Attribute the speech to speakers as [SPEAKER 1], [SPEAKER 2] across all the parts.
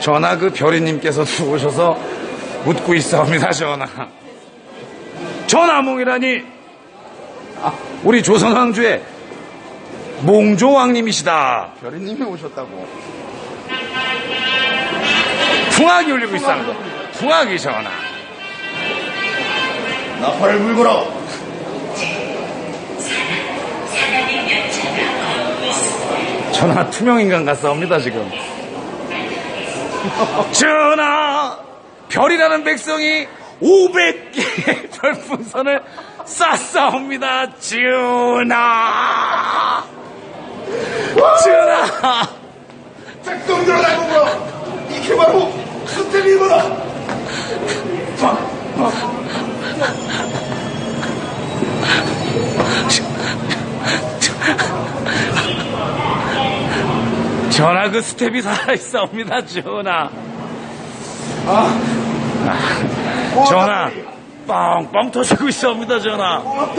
[SPEAKER 1] 전하 그 별이님께서도 오셔서 묻고 있사옵니다. 전하. 전하몽이라니 우리 조선왕조의 몽조왕님이시다.
[SPEAKER 2] 별이님이 오셨다고.
[SPEAKER 1] 풍악이 울리고 있습니다. 풍악이 전하.
[SPEAKER 2] 나팔을 불거라.
[SPEAKER 1] 전하 투명인간 같사옵니다 지금. 전하 별이라는 백성이 500개의 별풍선을 쌌사옵니다. 전하. 전하.
[SPEAKER 2] 백성들아 나보고 이게 바로 스텝이구나.
[SPEAKER 1] 전하 그 스텝이 살아있사옵니다. 전하. 전하 뻥뻥 터지고 있사옵니다. 전하.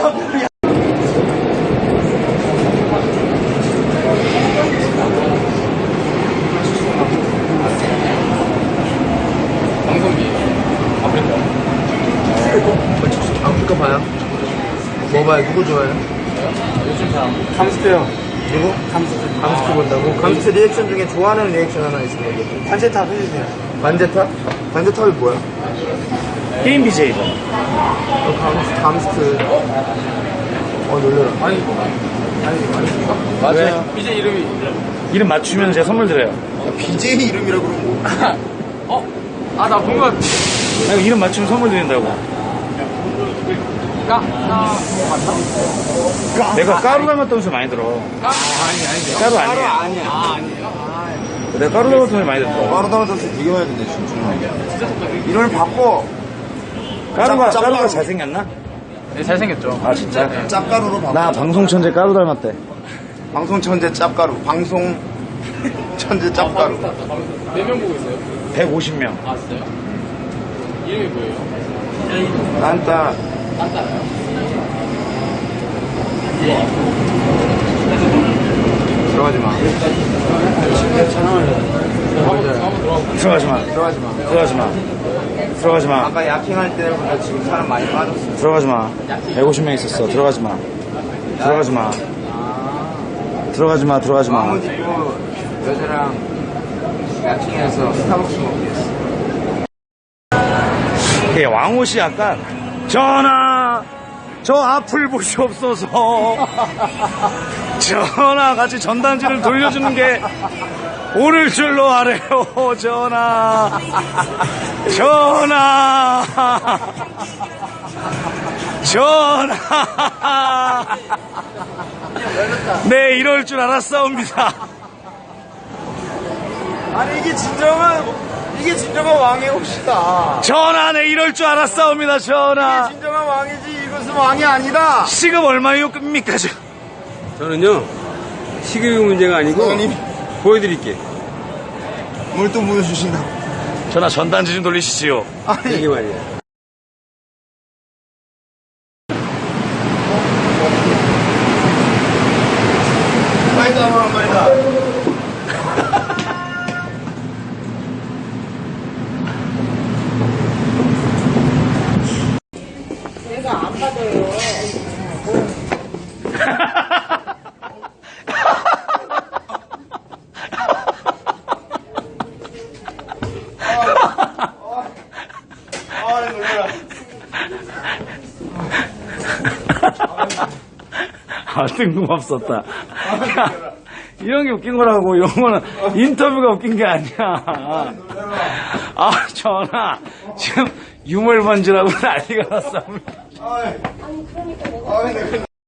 [SPEAKER 2] 아프리카 봐요? 뭐 봐요? 누구 좋아해요?
[SPEAKER 3] 요즘 사람 감스트요.
[SPEAKER 2] 누구? 감스트 본다고? 감스트 리액션 중에 좋아하는 리액션 하나 있으면 얘기해.
[SPEAKER 3] 반제탑 해주세요.
[SPEAKER 2] 반제탑? 반제탑이 뭐야?
[SPEAKER 1] 게임 BJ죠.
[SPEAKER 2] 감스트. 놀래라.
[SPEAKER 3] 맞아요. 이제 이름이
[SPEAKER 1] 이름 맞추면 제가 선물 드려요.
[SPEAKER 2] BJ 이름이라 그러고.
[SPEAKER 3] 나 본 것 같아.
[SPEAKER 1] 아니, 이름 맞추면 선물 드린다고. 내가 까루 닮았다는 소리 많이 들어.
[SPEAKER 3] 아니.
[SPEAKER 1] 까루 아니에요.
[SPEAKER 3] 아니에요.
[SPEAKER 1] 내가 까루 닮았다는 소리 많이 들어.
[SPEAKER 2] 까르다마 선수 되게 많이 듣네, 진짜. 이름을 바꿔.
[SPEAKER 1] 까루가 잘생겼나?
[SPEAKER 3] 네, 잘생겼죠.
[SPEAKER 1] 아 진짜?
[SPEAKER 2] 짭가루로 바꿔.
[SPEAKER 1] 나 방송천재 까루 닮았대.
[SPEAKER 2] 방송 천재 짭가루. 방송 천재 짭가루.
[SPEAKER 3] 몇 명 보고 있어요?
[SPEAKER 1] 150명.
[SPEAKER 3] 아, 진짜요? 이름이 뭐예요?
[SPEAKER 2] 딴따.
[SPEAKER 3] 딴따라요?
[SPEAKER 2] 들어가지 마.
[SPEAKER 1] 들어가지 마.
[SPEAKER 2] 들어가지 마.
[SPEAKER 1] 들어가지 마. 들어가지 마.
[SPEAKER 2] 아까 야킹할 때보다 지금 사람 많이 빠졌어.
[SPEAKER 1] 들어가지 마. 150명 있었어. 들어가지 마. 들어가지 마. 들어가지 마. 들어가지 마.
[SPEAKER 2] 마음은 있고 여자랑 야킹해서 스타벅스 먹기 했어.
[SPEAKER 1] 예, 왕옷이 약간 전하 저 앞을 보시옵소서. 전하 같이 전단지를 돌려주는 게 오를 줄로 아래요. 전하. 전하. 전하. 네, 이럴 줄 알았사옵니다.
[SPEAKER 2] 아니 이게 진정한 왕의 옷이다.
[SPEAKER 1] 전하, 네, 이럴 줄 알았사옵니다. 전하.
[SPEAKER 2] 진정한 왕이지 이것은 왕이 아니다.
[SPEAKER 1] 시급 얼마입니까?
[SPEAKER 4] 저는요, 시급이 문제가 아니고,
[SPEAKER 2] 사장님.
[SPEAKER 4] 보여드릴게.
[SPEAKER 2] 뭘 또 보여주신다.
[SPEAKER 1] 전하, 전단지 좀 돌리시지요.
[SPEAKER 2] 아니
[SPEAKER 4] 이게 말이야.
[SPEAKER 2] 말도 안 하는 말이다.
[SPEAKER 5] 내가 안 받아요.
[SPEAKER 2] 놀래라.
[SPEAKER 1] 뜬금없었다. 야, 이런 게 웃긴 거라고. 이런 거는 인터뷰가 웃긴 게 아니야. 전하, 지금 유물번지라고 난리가 났습니다.
[SPEAKER 2] 아니 그러니까 내가